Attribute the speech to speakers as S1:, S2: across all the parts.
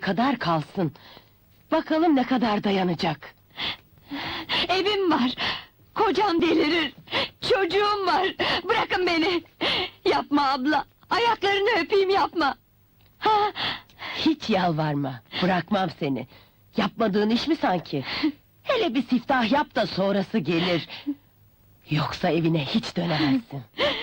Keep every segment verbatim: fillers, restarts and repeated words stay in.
S1: kadar kalsın. Bakalım ne kadar dayanacak.
S2: Evim var, kocam delirir, çocuğum var, bırakın beni! Yapma abla, ayaklarını öpeyim, yapma! Ha,
S1: Hiç yalvarma, bırakmam seni. Yapmadığın iş mi sanki? Hele bir siftah yap da sonrası gelir. Yoksa evine hiç dönemezsin.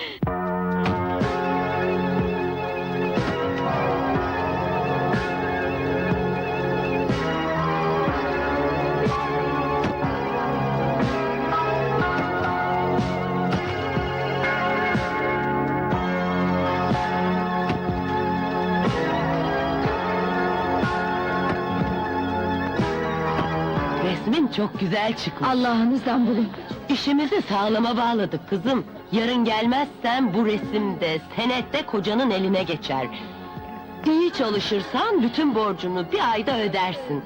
S1: Resmin çok güzel çıkmış.
S2: Allah'ınızdan bulun!
S1: İşimizi sağlama bağladık kızım. Yarın gelmezsen bu resimde, senette kocanın eline geçer. İyi çalışırsan bütün borcunu bir ayda ödersin.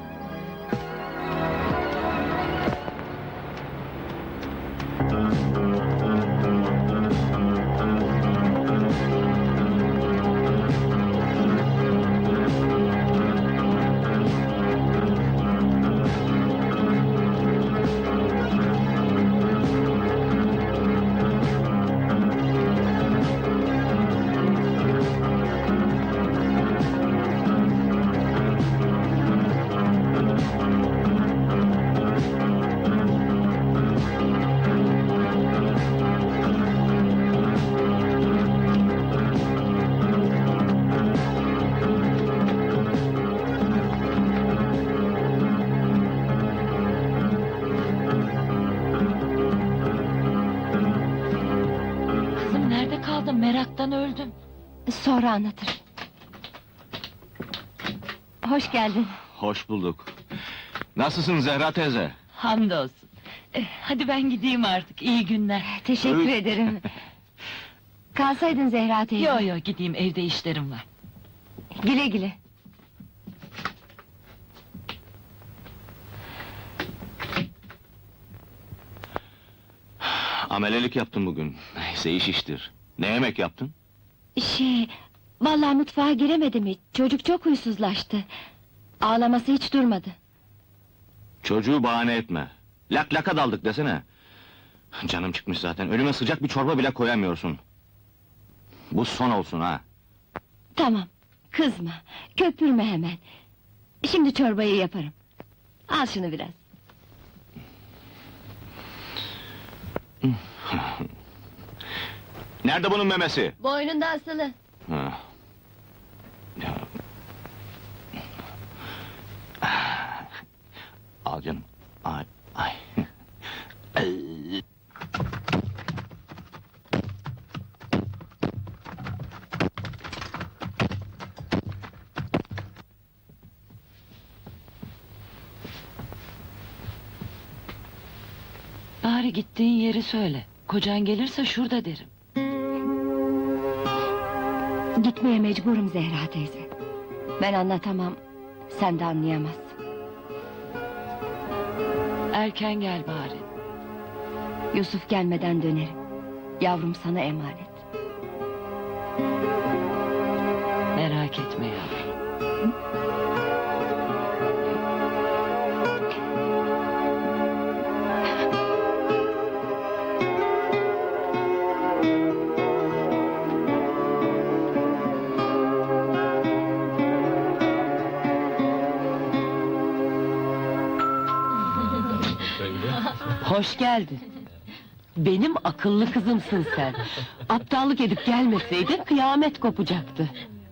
S2: Kızım nerede kaldın? Meraktan öldüm! Sonra anlatırım. Hoş geldin.
S3: Hoş bulduk. Nasılsın Zehra teyze?
S2: Hamdolsun. Eh, hadi ben gideyim artık, iyi günler.
S3: Teşekkür
S2: ederim. Kalsaydın Zehra teyze. Yo yo, gideyim, evde işlerim var. Güle güle.
S3: Amelelik yaptım bugün. Neyse iş iştir. Ne yemek yaptın?
S2: Şey, vallahi mutfağa giremedim hiç. Çocuk çok huysuzlaştı. Ağlaması hiç durmadı.
S3: Çocuğu bahane etme. Lak laka daldık desene. Canım çıkmış zaten. Önüme sıcak bir çorba bile koyamıyorsun. Bu son olsun ha.
S2: Tamam, kızma, köpürme hemen. Şimdi çorbayı yaparım. Al şunu biraz.
S3: Nerede bunun memesi?
S2: Boynunda asılı.
S3: Ha. Ya. Al canım. Ay, ay. Ay.
S4: Bari gittiğin yeri söyle. Kocan gelirse şurada derim.
S2: Gitmeye mecburum Zehra teyze. Ben anlatamam, sen de anlayamazsın.
S4: Erken gel bari.
S2: Yusuf gelmeden dönerim. Yavrum sana emanet.
S4: Merak etme yavrum.
S1: Hoş geldin. Benim akıllı kızımsın sen. Aptallık edip gelmeseydin kıyamet kopacaktı.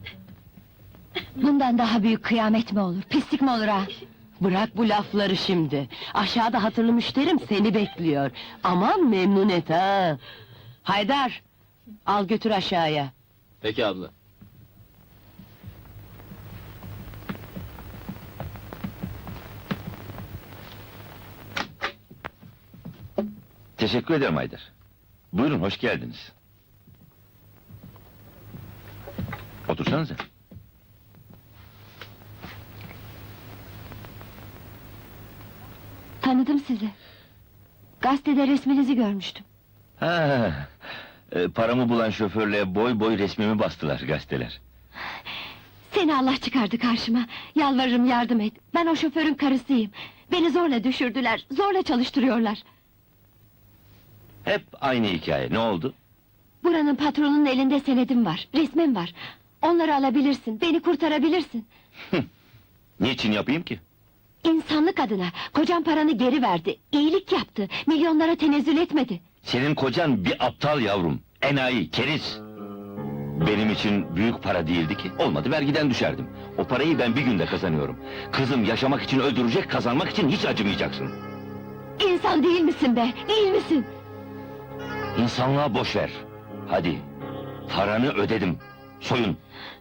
S2: Bundan daha büyük kıyamet mi olur, pislik mi olur ha?
S1: Bırak bu lafları şimdi. Aşağıda hatırlı müşterim seni bekliyor. Aman memnun et ha. Haydar, al götür aşağıya.
S3: Peki abla.
S5: Teşekkür ederim Haydar. Buyurun, hoş geldiniz. Otursanıza.
S2: Tanıdım sizi. Gazetede resminizi görmüştüm.
S5: Ha, e, paramı bulan şoförle boy boy resmimi bastılar gazeteler.
S2: Seni Allah çıkardı karşıma. Yalvarırım yardım et. Ben o şoförün karısıyım. Beni zorla düşürdüler, zorla çalıştırıyorlar.
S5: Hep aynı hikaye. Ne oldu?
S2: Buranın patronunun elinde senedim var, resmim var. Onları alabilirsin, beni kurtarabilirsin.
S5: Niçin yapayım ki?
S2: İnsanlık adına, kocam paranı geri verdi, iyilik yaptı, milyonlara tenezzül etmedi.
S5: Senin kocan bir aptal yavrum. Enayi, keriz. Benim için büyük para değildi ki. Olmadı vergiden düşerdim. O parayı ben bir günde kazanıyorum. Kızım yaşamak için öldürecek, kazanmak için hiç acımayacaksın.
S2: İnsan değil misin be, değil misin?
S5: İnsanlığa boş ver. Hadi, paranı ödedim. Soyun.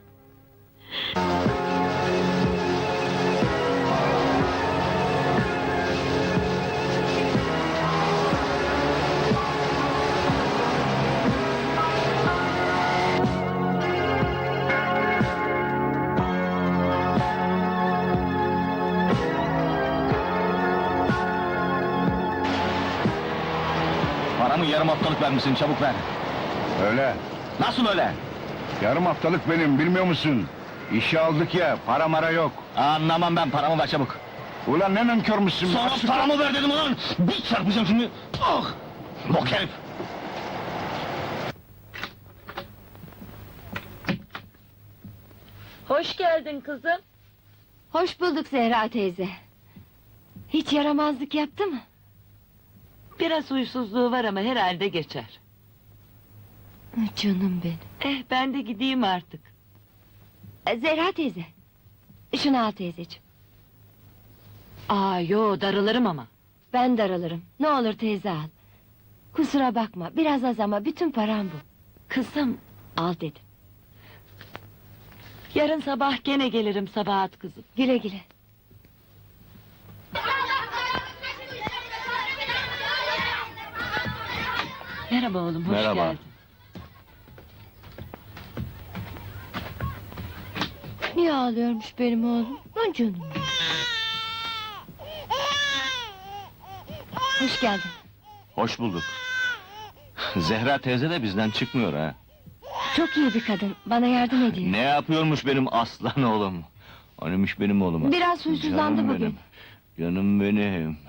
S3: Paramı yarım haftalık vermişsin, çabuk ver.
S6: Öyle.
S3: Nasıl öyle?
S6: Yarım haftalık benim, bilmiyor musun? İşe aldık ya, para mara yok.
S3: Anlamam ben, paramı ver çabuk.
S6: Ulan ne nankörmüşsün?
S3: Sana
S6: Açık-
S3: paramı ver dedim ulan! Bir çarpacağım şimdi! Ah! Bok herif!
S4: Hoş geldin kızım.
S2: Hoş bulduk Zehra teyze. Hiç yaramazlık yaptı mı?
S4: Biraz huysuzluğu var ama herhalde geçer.
S2: Canım benim.
S4: Eh ben de gideyim artık.
S2: E, Zehra teyze. Şunu al teyzeciğim.
S4: Aa yo darılırım ama.
S2: Ben daralırım. Ne olur teyze al. Kusura bakma, biraz az ama bütün param bu.
S4: Kızım
S2: Al dedim.
S4: yarın sabah gene gelirim Sabahat kızım.
S2: Güle güle.
S4: Merhaba oğlum hoş
S3: Merhaba.
S4: geldin.
S2: Niye ağlıyormuş benim oğlum? Lan canım. Hoş geldin.
S3: Hoş bulduk. Zehra teyze de bizden çıkmıyor ha.
S2: Çok iyi bir kadın. Bana yardım ediyor.
S3: Ne yapıyormuş benim aslan oğlum? Anıymış benim oğlum.
S2: Biraz huysuzlandı
S3: Canım
S2: bugün.
S3: benim, Canım benim.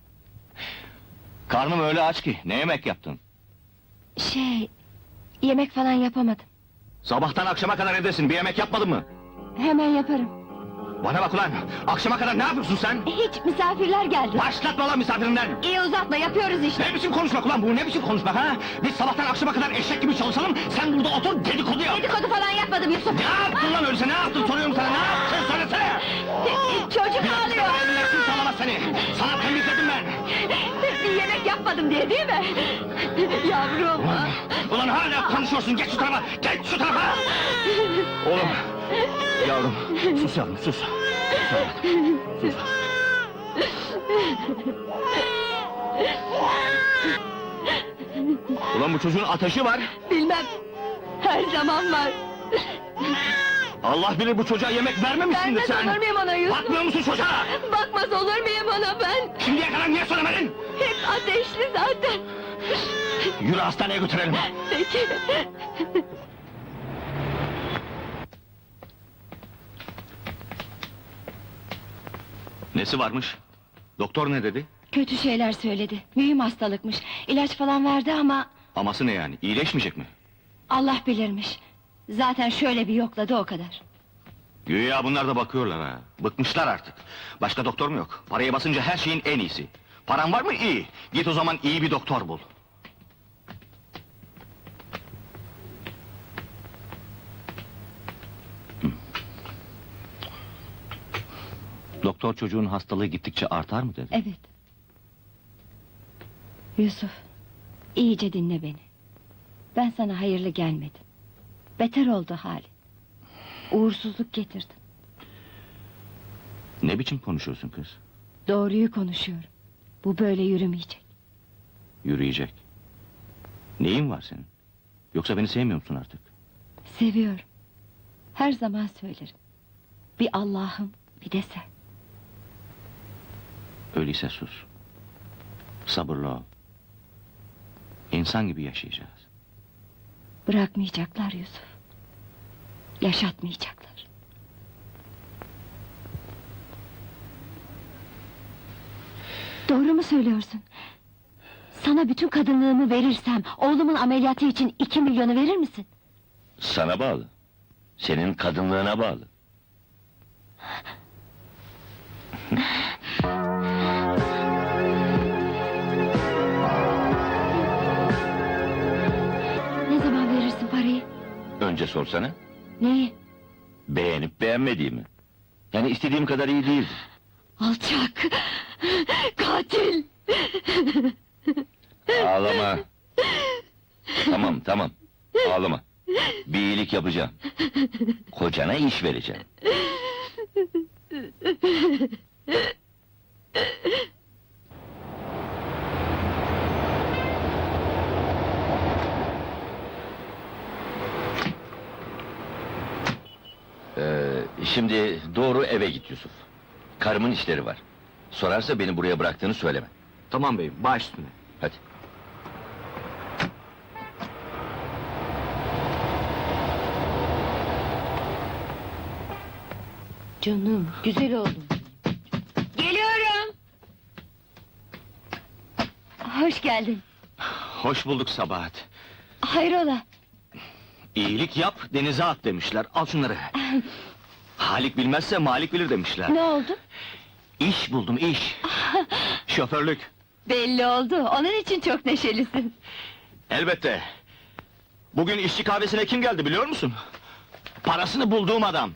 S3: Karnım öyle aç ki, ne yemek yaptın?
S2: Şey... Yemek falan yapamadım.
S3: Sabahtan akşama kadar evdesin, bir yemek yapmadın mı?
S2: Hemen yaparım.
S3: Bana bak ulan, akşama kadar ne yapıyorsun sen?
S2: Hiç misafirler geldi.
S3: Başlatma lan misafirinden!
S2: İyi uzatma, yapıyoruz işte.
S3: Ne biçim konuşmak ulan bu, ne biçim konuşmak ha? Biz sabahtan akşama kadar eşek gibi çalışalım, sen burada otur dedikodu yap!
S2: Dedikodu falan yapmadım Yusuf.
S3: Ne yaptın lan öyleyse, ne yaptın soruyorum sana, ne yaptın söylesene!
S2: Çocuk ağlıyor.
S3: Milletin sağlamaz seni, sana temizledim ben!
S2: Bir yemek yapmadım diye değil mi? Yavrum.
S3: Ulan, ulan hala konuşuyorsun, geç şu tarafa, geç şu tarafa! Oğlum, yavrum, sus yavrum, sus! Sus, sus. Ulan bu çocuğun ateşi var!
S2: Bilmem. Her zaman var.
S3: Allah bilir bu çocuğa yemek vermemişsindir
S2: Vermez
S3: sen!
S2: olur muyum ona Yusuf?
S3: Bakmıyor musun çocuğa?
S2: Bakmaz olur muyum ona ben?
S3: Şimdiye kadar niye söylemedin?
S2: Hep ateşli zaten.
S3: Yürü hastaneye götürelim!
S2: Peki.
S3: Nesi varmış? Doktor ne dedi?
S2: Kötü şeyler söyledi. Mühim hastalıkmış. İlaç falan verdi ama
S3: Aması ne yani? İyileşmeyecek mi?
S2: Allah bilirmiş. Zaten şöyle bir yokladı o kadar.
S3: Güya bunlar da bakıyorlar ha. Bıkmışlar artık. Başka doktor mu yok? Paraya basınca her şeyin en iyisi. Paran var mı? İyi. Git o zaman iyi bir doktor bul. Hı. Doktor çocuğun hastalığı gittikçe artar mı dedi?
S2: Evet. Yusuf, iyice dinle beni. Ben sana hayırlı gelmedim. Beter oldu hali. Uğursuzluk getirdim.
S3: Ne biçim konuşuyorsun kız?
S2: Doğruyu konuşuyorum. Bu böyle yürümeyecek.
S3: Yürüyecek. Neyin var senin? Yoksa beni sevmiyor musun artık?
S2: Seviyorum. Her zaman söylerim. Bir Allah'ım, bir de sen.
S3: Öyleyse sus. Sabırlı ol. İnsan gibi yaşayacağız.
S2: Bırakmayacaklar Yusuf. Yaşatmayacaklar. Doğru mu söylüyorsun? Sana bütün kadınlığımı verirsem, oğlumun ameliyatı için iki milyonu verir misin?
S5: Sana bağlı. Senin kadınlığına bağlı.
S2: Ne zaman verirsin parayı?
S5: Önce sorsana.
S2: Neyi?
S5: Beğenip beğenmediğimi. Yani istediğim kadar iyi değildi.
S2: Alçak! Katil!
S5: Ağlama. Tamam, tamam. Ağlama. Bir iyilik yapacağım. Kocana iş vereceğim. Ee, şimdi doğru eve git Yusuf. Karımın işleri var. Sorarsa beni buraya bıraktığını söyleme.
S3: Tamam beyim, baş üstüne.
S5: Hadi.
S2: Canım, güzel oldum. Geliyorum! Hoş geldin.
S3: Hoş bulduk Sabahat.
S2: Hayrola?
S3: İyilik yap, denize at demişler. Al şunları. Halik bilmezse Malik bilir demişler.
S2: Ne oldu?
S3: İş buldum, iş. Şoförlük.
S2: Belli oldu, onun için çok neşelisin.
S3: Elbette. Bugün işçi kahvesine kim geldi biliyor musun? Parasını bulduğum adam.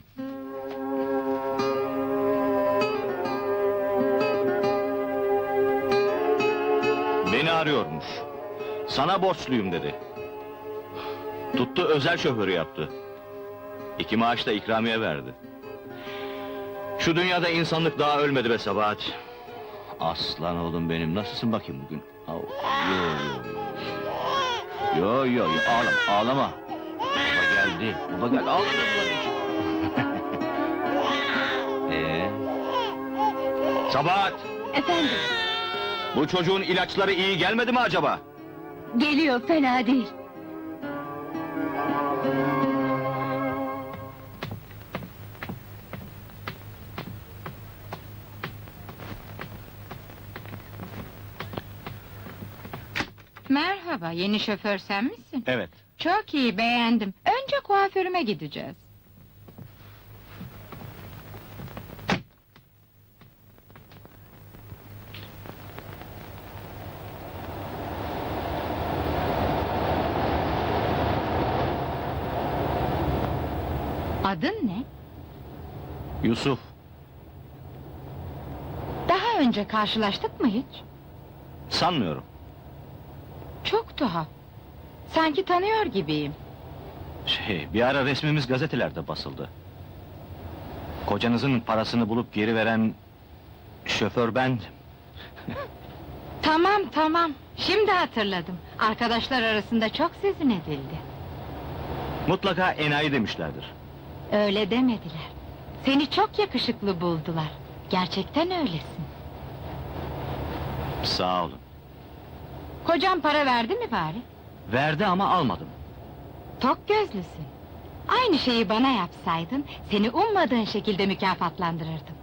S3: Beni arıyormuş. Sana borçluyum dedi. Tuttu özel şoförü yaptı. İki maaş da ikramiye verdi. Şu dünyada insanlık daha ölmedi be Sabahat. Aslan oğlum benim, nasılsın bakayım bugün? Au, Yo yo yo. Yo yo yo, ağlama, ağlama. Baba geldi, baba geldi, ağlama. Ee? Sabahat,
S2: Efendim,
S3: bu çocuğun ilaçları iyi gelmedi mi acaba?
S2: geliyor, fena değil.
S7: Merhaba, yeni şoför sen misin?
S3: Evet.
S7: Çok iyi, beğendim. Önce kuaförüme gideceğiz. Adın ne?
S3: Yusuf,
S7: Daha önce karşılaştık mı hiç?
S3: sanmıyorum.
S7: Çok tuhaf. Sanki tanıyor gibiyim.
S3: Şey, bir ara resmimiz gazetelerde basıldı. Kocanızın parasını bulup geri veren şoför bendim.
S7: Tamam tamam, şimdi hatırladım. Arkadaşlar arasında çok sözün edildi.
S3: Mutlaka enayi demişlerdir.
S7: Öyle demediler. Seni çok yakışıklı buldular. Gerçekten öylesin.
S3: Sağ olun.
S7: Kocan para verdi mi bari?
S3: Verdi ama almadım.
S7: Tok gözlüsün. Aynı şeyi bana yapsaydın, seni ummadığın şekilde mükafatlandırırdım.